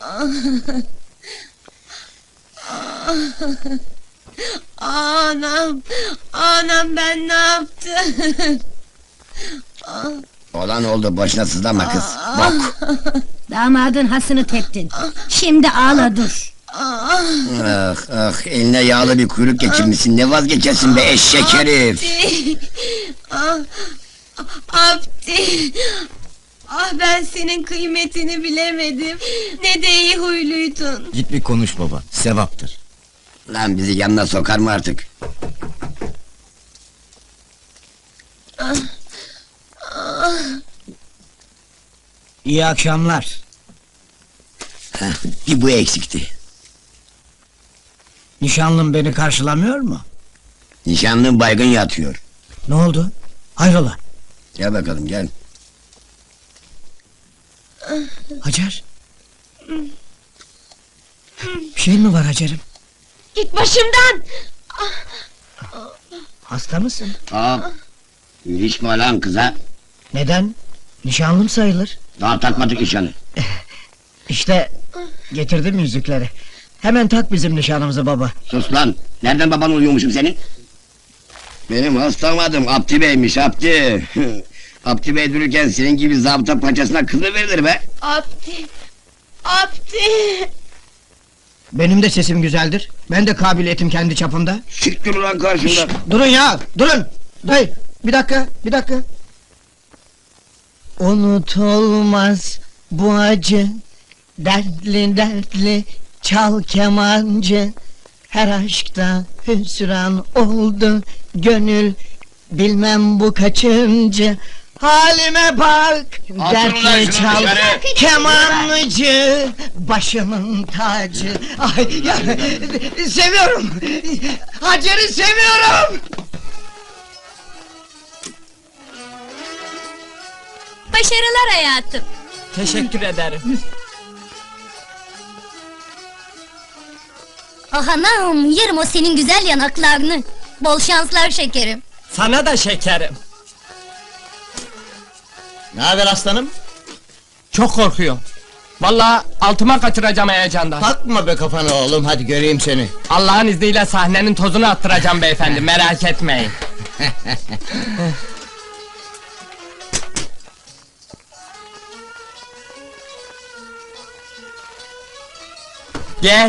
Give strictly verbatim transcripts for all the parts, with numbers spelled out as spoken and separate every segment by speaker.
Speaker 1: Anam, anam ben ne yaptım?
Speaker 2: Olan oldu, boşuna sızlama kız. Bok!
Speaker 3: Damadın hasını teptin. Şimdi ağla dur.
Speaker 2: Ah ah, eline yağlı bir kuyruk geçirmişsin, ne vazgeçersin be eşek herif!
Speaker 1: Abdi! Ah, Abdi! Ah, ben senin kıymetini bilemedim. Ne de iyi huyluydun.
Speaker 4: Git bir konuş baba, sevaptır.
Speaker 2: Lan bizi yanına sokar mı artık?
Speaker 4: İyi akşamlar.
Speaker 2: Heh, bir bu eksikti.
Speaker 4: Nişanlım beni karşılamıyor mu?
Speaker 2: Nişanlın baygın yatıyor.
Speaker 4: Ne oldu? Hayrola?
Speaker 2: Gel bakalım, gel.
Speaker 4: Hacer? Bir şey mi var Hacer'im?
Speaker 1: Git başımdan!
Speaker 4: Hasta mısın?
Speaker 2: Aa, ilişme lan kıza.
Speaker 4: Neden? Nişanlım sayılır.
Speaker 2: Daha takmadık nişanı.
Speaker 4: İşte getirdim yüzükleri. Hemen tak bizim nişanımızı baba.
Speaker 2: Sus lan, nereden baban oluyormuşum senin? Benim hastam adım Abdi Bey'miş, Abdi. Abdi Bey dururken senin gibi zabıta paçasına kız mı verilir be?
Speaker 1: Abdi! Abdi!
Speaker 4: Benim de sesim güzeldir. Ben de kabiliyetim kendi çapımda.
Speaker 2: Siktir ulan karşımda.
Speaker 4: Durun ya, durun! Dayı, bir dakika, bir dakika. Unutulmaz bu acı, dertli dertli çal kemancı. Her aşkta hüsran oldu gönül, bilmem bu kaçıncı. Halime bak,
Speaker 2: Atın ulan
Speaker 4: dertli
Speaker 2: şunu
Speaker 4: çal
Speaker 2: dışarı.
Speaker 4: kemanlıcı, başımın tacı. Ay ya, seviyorum, Hacer'i seviyorum.
Speaker 1: Başarılar hayatım.
Speaker 5: Teşekkür ederim.
Speaker 6: Ah anam, yerim o senin güzel yanaklarını. Bol şanslar şekerim.
Speaker 5: Sana da şekerim.
Speaker 4: Ne haber aslanım?
Speaker 5: Çok korkuyorum. Vallahi altıma kaçıracağım heyecandan.
Speaker 4: Takma be kafana oğlum, hadi göreyim seni.
Speaker 5: Allah'ın izniyle sahnenin tozunu attıracağım beyefendi, merak etmeyin. Gel.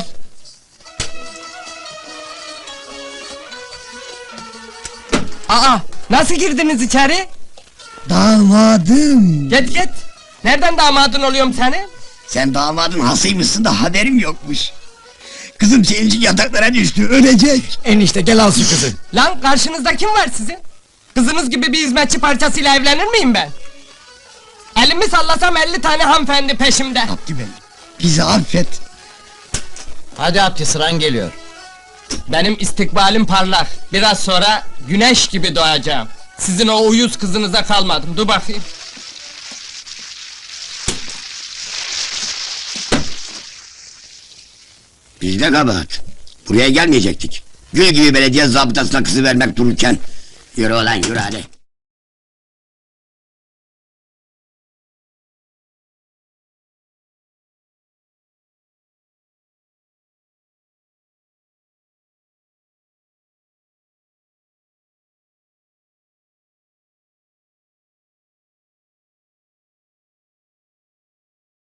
Speaker 5: Aa, nasıl girdiniz içeri?
Speaker 4: Damadım.
Speaker 5: Git git. Nereden damadın oluyorum senin?
Speaker 2: Sen damadın hasıymışsın da haberim yokmuş. Kızım senin için yataklara düştü, ölecek.
Speaker 4: Enişte gel al şu kızı.
Speaker 5: Lan karşınızda kim var sizin? Kızınız gibi bir hizmetçi parçasıyla evlenir miyim ben? Elimi sallasam elli tane hanımefendi peşimde.
Speaker 2: Abdi Bey, bizi affet.
Speaker 4: Hadi Abdi, sıran geliyor.
Speaker 5: Benim istikbalim parlak. Biraz sonra güneş gibi doğacağım. Sizin o uyuz kızınıza kalmadım. Dur bakayım.
Speaker 2: Bizde kabahat. Buraya gelmeyecektik. Gül gibi belediye zabıtasına kızı vermek dururken. Yürü ulan, yürü hadi.